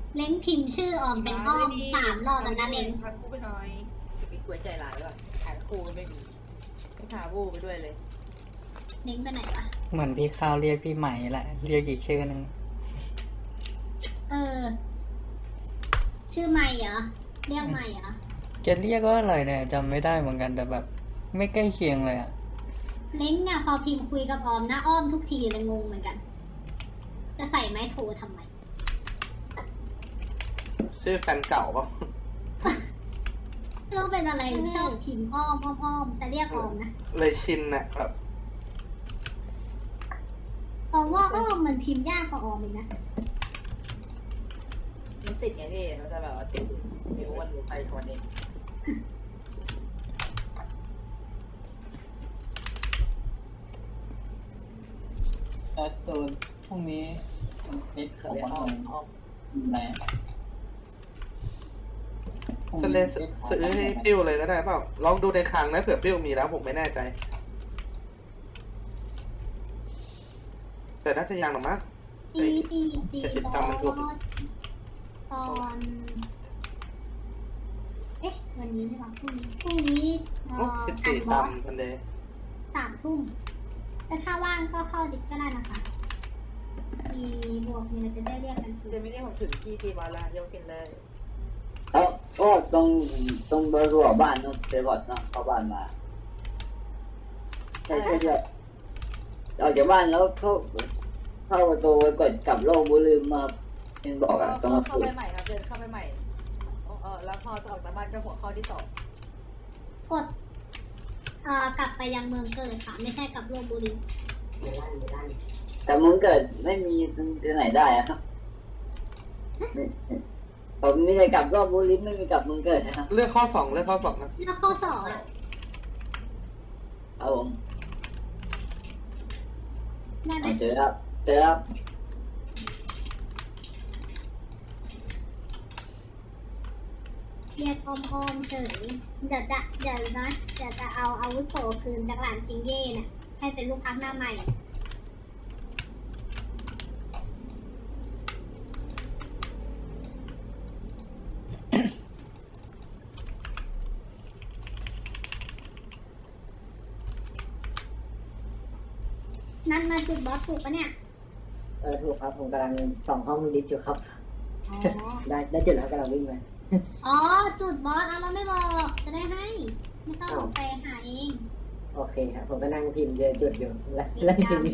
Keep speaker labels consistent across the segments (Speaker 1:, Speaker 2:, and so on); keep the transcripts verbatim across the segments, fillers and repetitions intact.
Speaker 1: เล้งพิมพ์ชื่อออมเป็นอ้อมสามรอบแล้วนะเล้ง
Speaker 2: พากูไปหน่อยมีกล้วยใจหลายว่ะขายคู่ก็ไม่มีไม่พาบูไปด้วยเลย
Speaker 1: เล้งไปไหนวะ
Speaker 3: เหมือนพี่ข้าวเรียกพี่ใหม่แหละเรียกอีกชื่อนึง
Speaker 1: เออชื่อใหม่เหรอเรียกใหม่เหรอ
Speaker 3: จะเรียกว่าอะไรเนี่ยจำไม่ได้เหมือนกันแต่แบบ ไม่ใกล้เคียงเลยอะ
Speaker 1: เล้งอะพอพิมพ์คุยกับออมนะอ้อมทุกทีเลยงงเหมือนกัน จะใส่ไม้โทรทำไม
Speaker 4: ชื่อแฟนเก่าปะ
Speaker 1: ต้องเป็นอะไรชอบพิมพ์อ้อมอ้อมอ้อมแต่เรียกออมนะ
Speaker 4: เลยชินนะแบบ
Speaker 1: ออมว่าอ้อมมันพิมพ์ยากกว่าออมอีกนะ
Speaker 2: มันติดไงพี่มันจะแบบว่าติดนิ้ววันไปคนเอง
Speaker 5: แต่ตัวพวกนี้มันฟิตของมันเลยแรง
Speaker 4: สเลสซื้อให้ปิ้วเลยก็ได้เปล่าลองดูในคลังนะเผื่อปิ้วมีแล้วผมไม่แน่ใจแต่น่าจะยังหรอมั้ง
Speaker 1: ตีตีตีบอสตอนเอ๊ะวันนี้ใช่ปะพรุ่งนี้พรุ่งนี้เอ่อ
Speaker 4: สิบ
Speaker 1: อ่าน
Speaker 4: สี่
Speaker 1: บอส
Speaker 4: ตำทันเดย์
Speaker 1: สามทุ่มแต่ถ้าว่างก็เข้าดิสก็ได้นะคะมีบวกมีอะไรจะได้เรียกกันถูก
Speaker 2: เดี๋ยวไม่ได้ผมถึงที่ตีบอลแล้วยกกินเลย
Speaker 5: แล้วก็ตรงตรงเบอร์รัวบ้านนู้นเซบอดเนาะเข้าบ้านมาใช่ใช่ใช่ออกจากบ้านแล้วเข้าเข้าประตูไปกดกลับโลกบุลืมมาเห็นบอกอะต้องมา
Speaker 2: เข้าไปใหม่ครับเดินเข้าไปใหม่เออแล้วพอจะออกจากบ้านก็หัวข้อที่สอง
Speaker 1: กดเอ่อกลับไปยังเมืองเกิดค่ะไม่ใช่กลับโลกบุรี
Speaker 5: แต่มึงเกิดไม่มีที่ไหนได้อะครับผมไม่ได้กลับรอบบุรีไม่มีกลับมึงเกิดนะครับ
Speaker 4: เลือกข้อสองเลือกข้อสองนะ
Speaker 1: แล้วข้อสองอ่ะ
Speaker 5: เอาผม
Speaker 1: ได้ไหม
Speaker 5: เจอครับเจอครับ
Speaker 1: เรียกอมอมเฉยเดี๋ยวจะเดี๋ยวนะเดี๋ยวจะเอาอาวุโสคืนจากหลานชิงเย่เนี่ยให้เป็นลูกพักหน้าใหม่นัดมาจุดบอสถูกปะเนี่ย
Speaker 5: เออถูกครับผมกำลังส่องห้องลิฟต์อยู่ครับได้ได้จุดแล้วกำลังวิ่งไป
Speaker 1: อ๋อจุดบอสเอาเราไม่บอกจะได้ให้ไม่ต้องไปหาเอง
Speaker 5: โอเคครับผมก็นั่งพิมพ์เจอจุดอยู่แล้วแล้วพิมพ์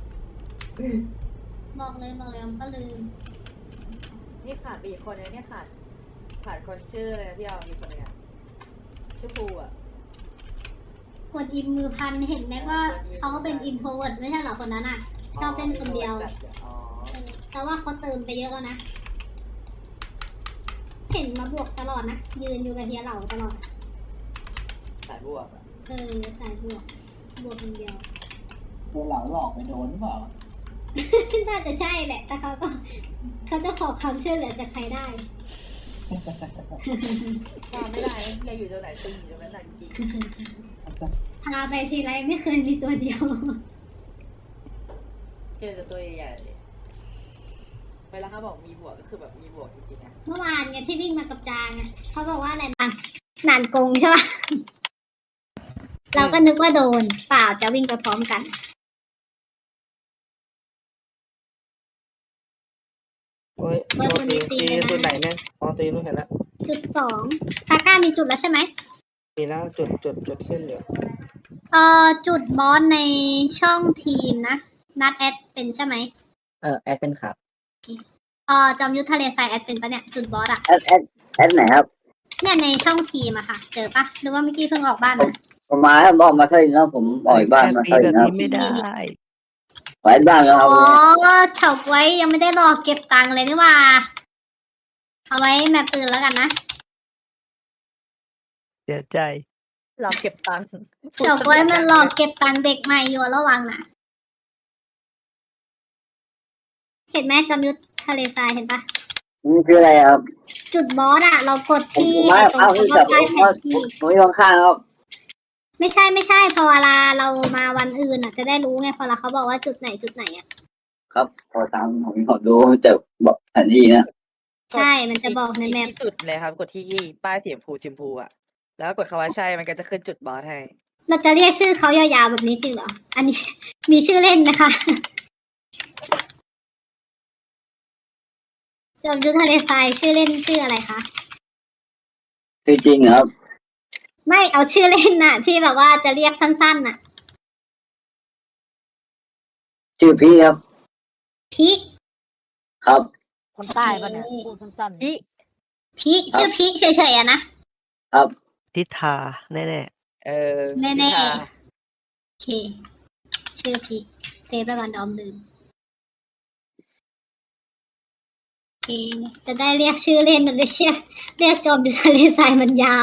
Speaker 1: บอกเลยบอกเลยก็ลืม
Speaker 2: นี่ขาดไปอีกคนนึงเนี่ยขาดขาดคนชื่ออะไรนะพี่เอาอีกคนนึงชื่อภูอ่ะ
Speaker 1: กดอินมือพันเห็นไหมว่าเขาเป็นอินโทรเวิร์ดไม่ใช่หรอคนนั้นอ่ะชอบเป็นคนเดียวแต่ว่าเขาเติมไปเยอะแล้วนะเห็นมาบวกตลอดนะยืนอยู่กับเฮียเหล่าตลอด
Speaker 2: สายบวก
Speaker 1: เออสายบวกบวกคนเดียว
Speaker 5: เฮียเหล่าหลอกไปโดนหรือเปล่า
Speaker 1: น่าจะใช่แหละแต่เขาก็เขาจะขอคำช่วยเหลือจากใครได้
Speaker 2: พาไม่ได้เลยอยู่ตรงไหนตึงอยู่ตรงนั้นจริง
Speaker 1: พาไปทีไรไม่เคยมีตัวเดียว
Speaker 2: เจอแต่ตัวใหญ่เวลาเขาบอกมีบวกก็คือแบบมีบวกจริงๆนะ
Speaker 1: เมื่อวานไงที่วิ่งมากับจางไงเขาบอกว่าอะไรนานนานกงใช่ป่ะเราก็นึกว่าโดนเปล่าจะวิ่งไปพร้อมกัน
Speaker 3: โอ้ยโดนตีตีจุดไหนเนี่ยอ๋อตีรู้เห็นแล้ว
Speaker 1: จุดสองซาก้ามีจุดแล้วใช่ไหม
Speaker 3: มีแล้วจุดจุดจุดขึ้นอยู่
Speaker 1: เอ่อจุดบอสในช่องทีมนะนัดแอดเป็นใช่ไหม
Speaker 5: เออแอดเป็นครับ
Speaker 1: เออจอมยุทธทะเลทรายแอดเป็นปะเนี่ยจุดบอสอะ
Speaker 5: แอดแอดแอดไหนครับ
Speaker 1: เนี่ยในช่องทีมอะค่ะเจอปะหรือว่าเมื่อกี้เพิ่งออกบ้านนะ
Speaker 5: ผมมาแล้วบอกมาเท่านี้แล้วผมออกบ้านมาเท่านี้แล้ว
Speaker 3: ไม่ได้
Speaker 5: ไว้บ้านแล้ว
Speaker 1: อ๋อเฉาไว้ยังไม่ได้รอเก็บตังค์เลยนี่ว่าเอาไว้แมปปืนแล้วกันนะ
Speaker 3: เสียใจ
Speaker 2: หลอกเก็บตังค์
Speaker 1: เฉาไว้มันหลอกเก็บตังค์เด็กใหม่อยู่ระวังนะเห็นไหมจอมยุทธทะเลทรายเห็นปะ
Speaker 5: นี่คืออะไรครับ
Speaker 1: จุดบอสอะเรากดที่ตรงคำว่าใต้แผนที่
Speaker 5: ผมอยู่ข้างๆครับ
Speaker 1: ไม่ใช่ไม่ใช่พอเวลาเรามาวันอื่นอะจะได้รู้ไงพอเราเขาบอกว่าจุดไหนจุดไหนอะ
Speaker 5: ครับพอตามผมขอดูจะบอกแผนที่นะ
Speaker 1: ใช่ มันจะบอกในแมป
Speaker 2: ที่จุดเลยครับ กดที่ป้ายสีชมพูชมพูอะแล้วก็กดคำว่าใช่มันก็จะขึ้นจุดบอสให้
Speaker 1: เราจะเรียกชื่อเขายาวๆแบบนี้จริงเหรอ อันนี้ มีชื่อเล่นนะคะ จอมยุทธทะเลทรายชื่อเล่นชื่ออะไรคะ
Speaker 5: คือจริงครับ
Speaker 1: ไม่เอาชื่อเล่นน่ะ ที่แบบว่าจะเรียกสั้นๆน่ะ
Speaker 5: ชื่อพี่ครับ
Speaker 1: พิก
Speaker 5: ครับ
Speaker 6: คนใต้ปะเนี่ยพูดสั้นๆ
Speaker 2: อี
Speaker 1: พิกชื่อพิกเฉยๆอะนะ
Speaker 5: ครับ
Speaker 7: ทิธาแน่
Speaker 2: เออ
Speaker 1: แน่ๆ
Speaker 2: พิธา
Speaker 1: โอเค ชื่อพิกเทปไปก่อนดอมลืมโอเค จะได้เรียกชื่อเล่นจะได้เรียกเรียกจอมยุทธทะเลทรายมันยาว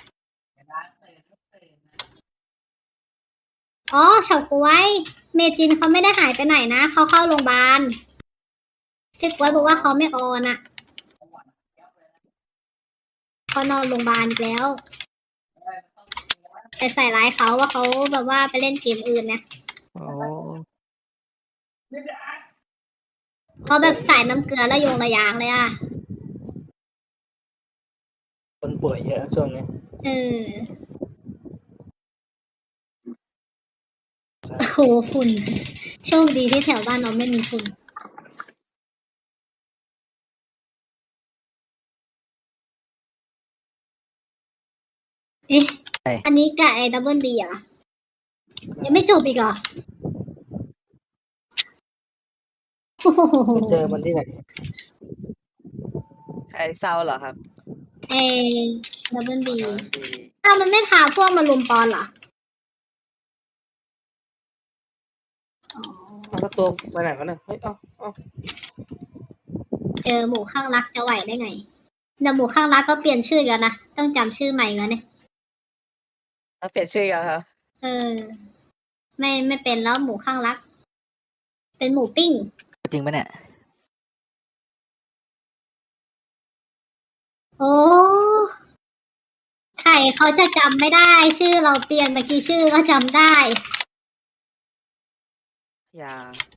Speaker 1: อ๋อเฉาก๊วย เมจินเขาไม่ได้หายไปไหนนะ เขาเข้าโรงพยาบาลพี่ก๊วยบอกว่าเขาไม่ออนอะเขานอนโรงพยาบาลอีกแล้ว ไปใส่ร้ายเขาว่าเขาแบบว่าไปเล่นเกมอื่นเนี่ย
Speaker 7: ๆโอ้
Speaker 1: เขาแบบใส่น้ำเกลือแล้วโยงระยางเลยอะ
Speaker 3: คนป่วยเยอะช่วงนี้
Speaker 1: เออโอ้โหฝุ่น โชคดีที่แถวบ้านเราไม่มีฝุ่น เอ๊ะ อันนี้กับไอ้ดับเบิลบีเหรอ ยังไม่จบอีกเหรอโอ้โห
Speaker 3: เจอมันที่ไหน
Speaker 2: ใครเศร้าเหรอครับ
Speaker 1: ไอ้ดับเบิลบี
Speaker 2: ดี
Speaker 1: อ้าวมันไม่พาพวกมาลุมปอนเหรอ อ๋อ
Speaker 3: เอาก็ตัวไปไหนวะเนี่ยเฮ้ย เอาเอา
Speaker 1: เจอหมูข้างรักจะไหวได้ไงแต่หมูข้างรักก็เปลี่ยนชื่ออีกแล้วนะ ต้องจำชื่อใหม่แล้วเนี่ย
Speaker 2: แล้วเปลี่ยนชื่อยังครับ
Speaker 1: เออ ไม่ไม่เป็นแล้วหมูข้างรัก เป็นหมูปิ้ง
Speaker 7: จริงปะเนี่ย
Speaker 1: โอ้ใครเขาจะจำไม่ได้ ชื่อเราเปลี่ยนเมื่อกี้ชื่อก็จำได้
Speaker 2: อย่า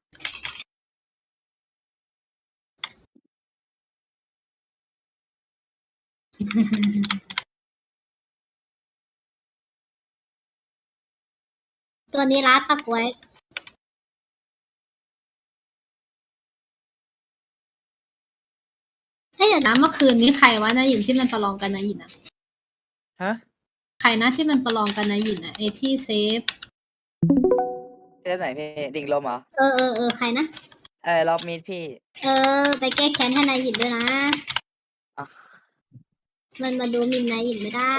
Speaker 1: ตัวนี้ร้านปะกวย
Speaker 6: เอ้ยเดี๋ยวนะเมื่อคืนนี้ใครวะนายหยินที่มันประลองกันนายหยินอะ
Speaker 2: ฮะ
Speaker 6: ใครนะที่มันประลองกันนายหยินอะไอที่เซฟ
Speaker 2: เรื่องไหนพี่ดิ่งลมเหรอ
Speaker 1: เออเออเออใครนะ
Speaker 2: เออรอบมีดพี่
Speaker 1: เออ ไปแก้แค้นให้นายหยินด้วยนะ
Speaker 2: อ่ะ
Speaker 1: มันมาดูหมินนายหยินไม่ได้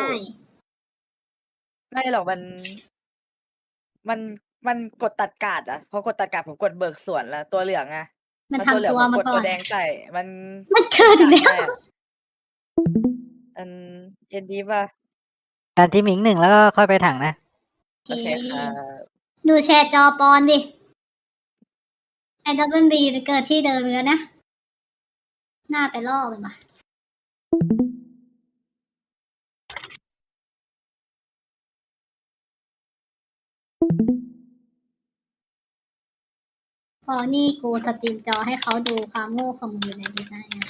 Speaker 2: ไม่หรอกมัน มันมันกดตัดการ์ดอะพอกดตัดการ์ดผมกดเบิกส่วนแล้วตัวเหลืองอะ
Speaker 1: มัน
Speaker 2: พอเหลื
Speaker 1: ทำ
Speaker 2: อง
Speaker 1: ตัว
Speaker 2: ผม
Speaker 1: มาก
Speaker 2: ด
Speaker 1: ก่อ
Speaker 2: ตัวน แดงใส่ มัน
Speaker 1: มันเกิดอีกแล้ว
Speaker 2: ได้อะอันเย็นดีป่ะ
Speaker 7: การที่หมิงหนึ่งแล้วก็ค่อยไปถังนะ
Speaker 1: โอ
Speaker 2: โอ
Speaker 1: เค
Speaker 2: เคครับ
Speaker 1: ดูแชร์จอปอนดิ ไอ้ดับเบิลบีไปเกิดที่เดิมอีกแล้วนะ หน้าไปล่อมันมาพอนี่กูสตรีมจอให้เขาดูความโง่ของมึงอยู่ในนี้ได้นะ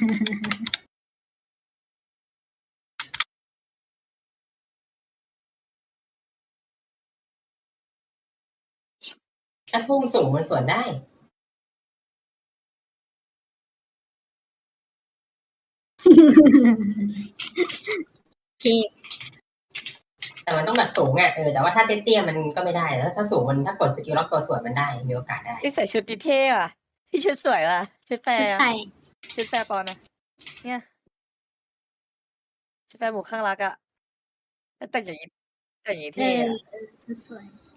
Speaker 8: ถ้าพุ่งสูงมันสวนได้
Speaker 1: โอเค
Speaker 8: แต่มันต้องแบบสูงอ่ะเออแต่ว่าถ้าเตี้ยๆมันก็ไม่ได้แล้วถ้าสูงมันถ้ากดสกิลล็อกตัวสวนมันได้มีโอกาสได้
Speaker 2: พี่ใส่ชุดดีเท่อะพี่ชุดสวยอะชุดแฟ
Speaker 1: ชุด
Speaker 2: ร์อะ
Speaker 1: ไข่
Speaker 2: ชุดแฟร์ปอนอะเนี่ยชุดแฟร์หมูข้างรักอะแล้วแต่งอย่างนี้แต่งอย่างนี้
Speaker 1: เอ
Speaker 2: เท่
Speaker 1: อ
Speaker 2: อะ
Speaker 1: เออชุดสวย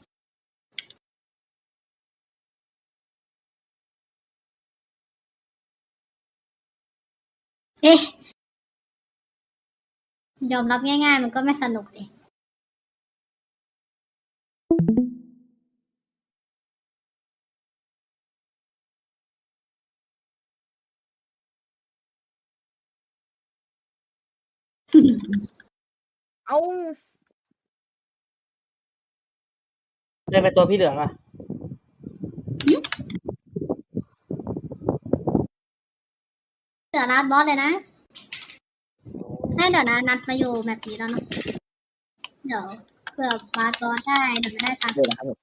Speaker 1: เอ๊ะ ยอมรับง่ายๆ มันก็ไม่สนุกดิ
Speaker 2: เอ้า
Speaker 3: ได้ไปตัวพี่เหลืองอ่ะ
Speaker 1: เหลือลาดบอสเลยนะให้เดี๋ยวนะนัดมาอยู่แบบนี้แล้วเนาะเดี๋ยวเผื่อบาสบอสได้เดี๋ยวไม่ได้ตังค์
Speaker 7: เดี๋ยวนะครับผม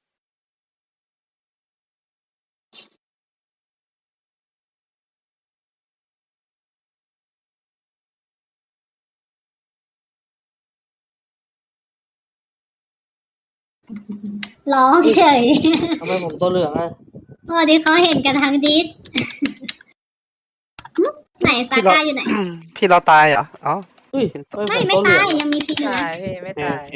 Speaker 1: ร้องเฉย
Speaker 3: ทำไมผมตัวเหลืองอ่ะ
Speaker 1: โอ้ที่เขาเห็นกันทั้งดิส หึไหนซาก้าอยู่ไหน
Speaker 4: พี่เราตายเหรออ๋อ
Speaker 3: อุ้ย
Speaker 1: ไม่ไม่ตายยังมีพิษอยู่
Speaker 2: ตา
Speaker 1: นะ
Speaker 2: ยพี่ไม่
Speaker 4: โอเค
Speaker 2: ตา
Speaker 4: โอย เค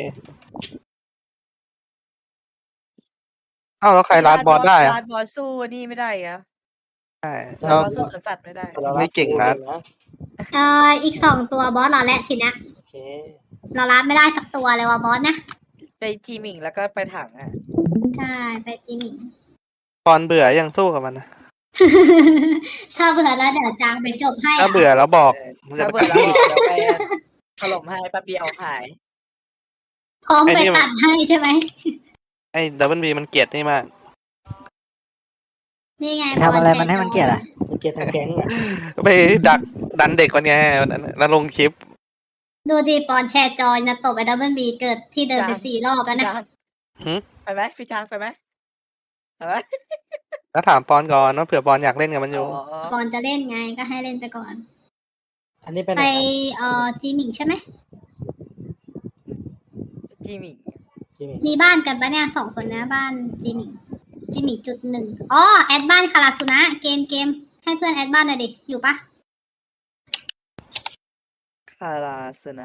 Speaker 4: เอ้าแล้วใครลาดบอสได้อะ
Speaker 2: ลาดบอสสู้นี่ไม่ได้เหรอ
Speaker 4: ใช่
Speaker 2: ลาด
Speaker 4: เรา
Speaker 2: บอสสู้สวนสัตว์ไม่ได้
Speaker 4: ไม่เก่งนะ
Speaker 1: เอ่ออีกสองตัวบอสเราและทีเนี้ย
Speaker 3: โอเค
Speaker 1: เราลาดไม่ได้สักตัวเลยว่ะบอสนะ
Speaker 2: ไปจีหมิงแล้วก็ไปถังอ่ะ
Speaker 1: ใช่ไปจิมิง
Speaker 4: ปอนเบื่อยังสู้กับมันนะ
Speaker 1: ถ้าเบื่อแล้วเดี๋ยวจางไปจบให้
Speaker 4: ถ้า
Speaker 1: อะ
Speaker 4: เบื่อแล้วบอกมันจะ
Speaker 2: ถ้า
Speaker 4: ไป
Speaker 2: เบื่อแล้วเดี๋ยวไปถล่มให้แป๊บเดียวหาย
Speaker 1: พร้อมไปตัดให้ใช่ไหม
Speaker 4: ไอ้ดับเบิลบีมันเกลียดนี่มาก
Speaker 1: นี่ไง
Speaker 7: ทำอะไรมันให้มันเกลียดอ่ะ
Speaker 3: มันเกลียดทางแก๊งอ่ะ
Speaker 4: ไปดักดันเด็กกว่านี้วันนั้นแล้วลงคลิป
Speaker 1: ดูดีปอนแชร์จอยนะตบไอ้ดับเบิลบีเกิดที่เดินไป
Speaker 2: จ้ะ
Speaker 1: สี่รอบแล้วนะ
Speaker 2: จาง
Speaker 4: หืม
Speaker 2: ไปไหมพี่จางไปไหมไปไหม
Speaker 4: แล้วถามปอนก่อนว่าเผื่อปอนอยากเล่นกับมันอยู่
Speaker 2: อ๋อ
Speaker 1: ก่อนจะเล่นไงก็ให้เล่นไปก่อน
Speaker 3: อันนี้ไปไหน
Speaker 1: ไป
Speaker 3: ครับ
Speaker 1: เอ่อจิมิงใช่ไหม
Speaker 2: จีหมิง
Speaker 3: จิมมี่
Speaker 1: มีบ้านกันปะเนี่ยสองคนนะบ้านจิมิงจิมิงจุดหนึ่งอ๋อแอดบ้านคาราสุนะเกมเกมให้เพื่อนแอดบ้านหน่อยดิอยู่ปะ
Speaker 2: คาราสนะ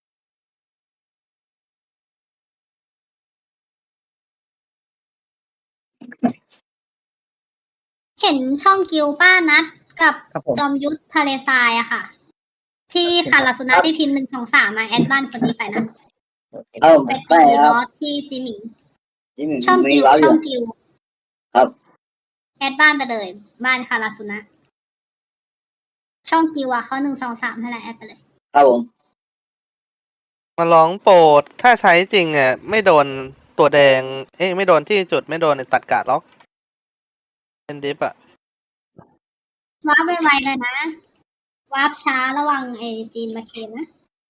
Speaker 1: เห็นช่องกิวป้านัดกับ
Speaker 7: ครับผม
Speaker 1: จอมยุทธทะเลทรายอะค่ะ ที่คาราสุนะที่พิมพ์หนึ่งสองสามมาแอดบ้านคนนี้ไปนะ
Speaker 5: เอ้า
Speaker 1: ไป
Speaker 5: ไม่
Speaker 1: ตี
Speaker 5: ค
Speaker 1: บ
Speaker 5: รับ
Speaker 1: อสที่จิมิง
Speaker 5: ที่หนึ่ง
Speaker 1: ช่อง
Speaker 5: มี
Speaker 1: กิว
Speaker 5: ว้าวอ
Speaker 1: ช่อยู่ งกิว
Speaker 5: ครับ
Speaker 1: แอดบ้านไปเลย บ้านคาราสุนะ ช่องกิวอะเขาหนึ่งสองสามให้แหละแอดไปเลย
Speaker 5: ครับผม
Speaker 4: มาร้องโปรดถ้าใช้จริงอ่ะไม่โดนตัวแดง เอ้ยไม่โดนที่จุดไม่โดนตัดกาดล็อก เป็นดิฟอ่ะ
Speaker 1: วาร์ปไวๆเลยนะ วาร์ปช้าระวังไอจีนมาเคมนะ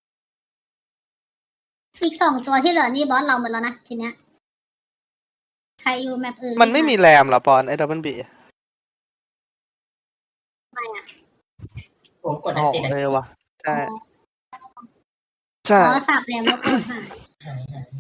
Speaker 1: อีกสองตัวที่เหลือนี่บอสเราหมดแล้วนะทีเนี้ย ใครอยู่แมปอื่น
Speaker 4: มันไม่มีแรมเหรอปอนไอ้ดับเบิลบี
Speaker 1: ไม่อะ
Speaker 8: ผมกด
Speaker 4: อ๋
Speaker 8: อัน
Speaker 4: อ
Speaker 8: ติด
Speaker 4: เออว่ะใช่
Speaker 1: อ๋อ
Speaker 4: ใช่
Speaker 1: อ๋อสับแรมแล้วกดหาย
Speaker 8: หายหาย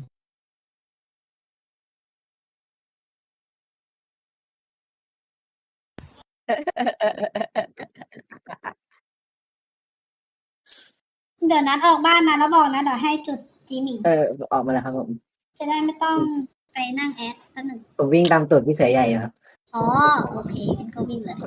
Speaker 1: เดี๋ยวนัดออกบ้านนะแล้วบอกนะเดี๋ยวให้จุดจีหมิง
Speaker 7: เออออกมาแล้วครับผม
Speaker 1: จะได้ไม่ต้องไปนั่งแอดตั้งหนึ่ง
Speaker 7: ผมวิ่งตามตูดพี่เสือใหญ่อยู่ครับ
Speaker 1: อ๋อ โอเคงั้นก็วิ่งเลย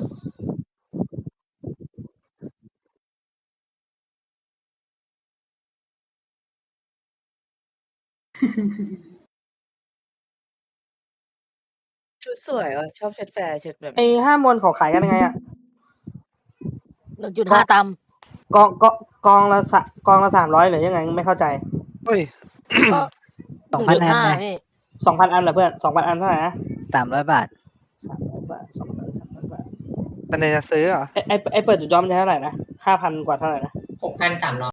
Speaker 2: ชุดสวยอ่ะชอบชุดแฟร์ชุดแบบ
Speaker 3: ไอ้ห้ามวนเขาขายกันยังไงอ่ะ
Speaker 7: หนึ่งจุดห้าต
Speaker 3: กองกองกองละสะกองละสามร้อยหรือยังไงไม่เข้าใจ
Speaker 4: เฮ้ย
Speaker 7: ำสองพันอันนะ
Speaker 3: สองพันอันเหรอเพื่อนสองพันอันเท่าไหร่นะ
Speaker 7: สามร้อยบาท
Speaker 3: สามร้อยบาทสองพันสามร้อยบาท
Speaker 4: ตอนนี้จะซื้อเหรอ
Speaker 3: ไอ้ไอ้ไอ้เปิดจุดจอมนจะเท่าไหร่นะห้าพันกว่าเท่าไหร่นะ
Speaker 8: หกพันสามร้อย